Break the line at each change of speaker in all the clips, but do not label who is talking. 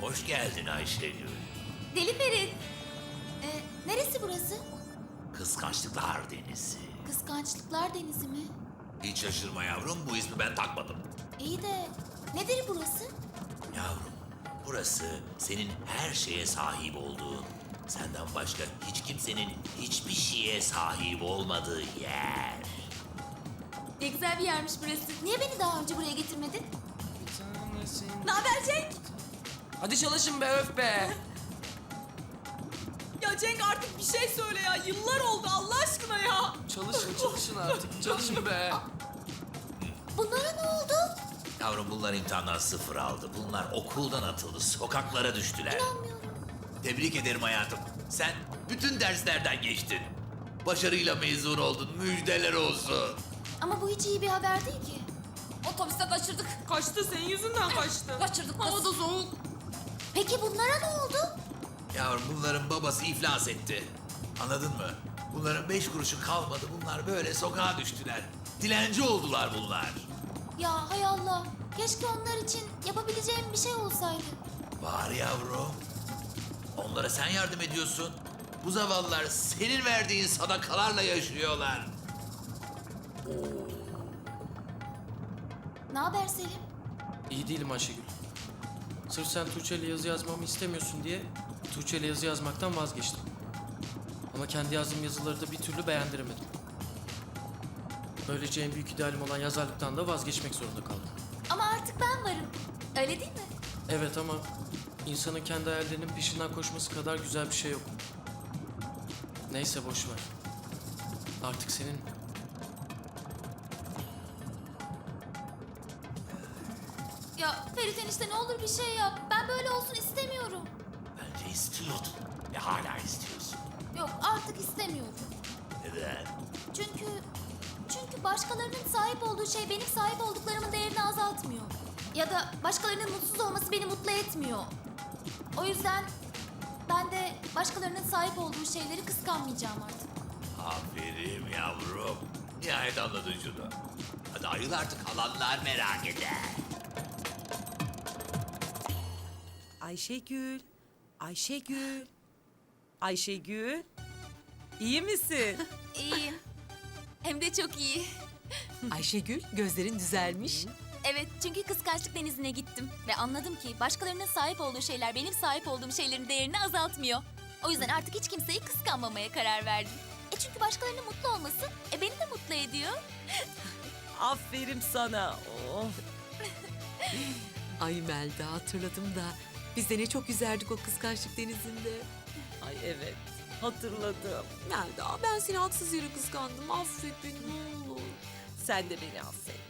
Hoş geldin Ayşegül.
Deli Ferit. Neresi burası?
Kıskançlıklar Denizi.
Kıskançlıklar Denizi mi?
Hiç şaşırma yavrum, bu ismi ben takmadım.
İyi de nedir burası?
Yavrum, burası senin her şeye sahip olduğun, senden başka hiç kimsenin hiçbir şeye sahip olmadığı yer.
Ne güzel bir yermiş burası. Niye beni daha önce buraya getirmedin? Ne haber Cenk?
Hadi çalışın be, öf be.
Ya Cenk artık bir şey söyle ya. Yıllar oldu Allah aşkına ya.
Çalışın artık. Çalışın be.
Bunlara ne oldu?
Yavrum, bunlar imtihandan 0 aldı. Bunlar okuldan atıldı, sokaklara düştüler.
İnanmıyorum.
Tebrik ederim hayatım. Sen bütün derslerden geçtin. Başarıyla mezun oldun, müjdeler olsun.
Ama bu hiç iyi bir haber değil ki.
Otobüste kaçırdık. Kaçtı senin yüzünden kaçtı. Kaçırdık. Hava da soğuk.
Peki bunlara ne oldu?
Yavrum, bunların babası iflas etti. Anladın mı? Bunların 5 kuruşu kalmadı. Bunlar böyle sokağa düştüler. Dilenci oldular bunlar.
Ya hay Allah. Keşke onlar için yapabileceğim bir şey olsaydı.
Var yavrum. Onlara sen yardım ediyorsun. Bu zavallılar senin verdiğin sadakalarla yaşıyorlar.
Ne haber Selim?
İyi değilim Ayşegül. Sırf sen Tuğçe'yle yazı yazmamı istemiyorsun diye Tuğçe'yle yazı yazmaktan vazgeçtim. Ama kendi yazdığım yazıları da bir türlü beğendiremedim. Böylece en büyük idealim olan yazarlıktan da vazgeçmek zorunda kaldım.
Ama artık ben varım. Öyle değil mi?
Evet ama insanın kendi hayallerinin peşinden koşması kadar güzel bir şey yok. Neyse boş ver. Artık senin.
Ya Ferit enişte ne olur bir şey yap. Ben böyle olsun istemiyorum.
Bence istiyordun. Ve hala istiyorsun.
Yok artık istemiyorum.
Neden?
Çünkü başkalarının sahip olduğu şey benim sahip olduklarımın değerini azaltmıyor. Ya da başkalarının mutsuz olması beni mutlu etmiyor. O yüzden ben de başkalarının sahip olduğu şeyleri kıskanmayacağım artık.
Aferin yavrum. Nihayet anladın şunu. Hadi ayıl artık, alanlar merak eder.
Ayşegül, Ayşegül, Ayşegül. İyi misin?
İyiyim. Hem de çok iyi.
Ayşegül, gözlerin düzelmiş.
Evet, çünkü kıskançlık denizine gittim. Ve anladım ki başkalarının sahip olduğu şeyler benim sahip olduğum şeylerin değerini azaltmıyor. O yüzden artık hiç kimseyi kıskanmamaya karar verdim. Çünkü başkalarının mutlu olması beni de mutlu ediyor.
Aferin sana. Oh. Ay Melda, hatırladım da biz de ne çok yüzerdik o kıskançlık denizinde. Ay evet, hatırladım. Melda, ben seni haksız yere kıskandım. Affet beni ne olur. Sen de beni affet.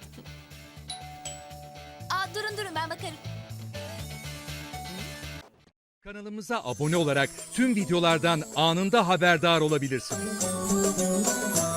Durun ben bakarım.
Kanalımıza abone olarak tüm videolardan anında haberdar olabilirsiniz.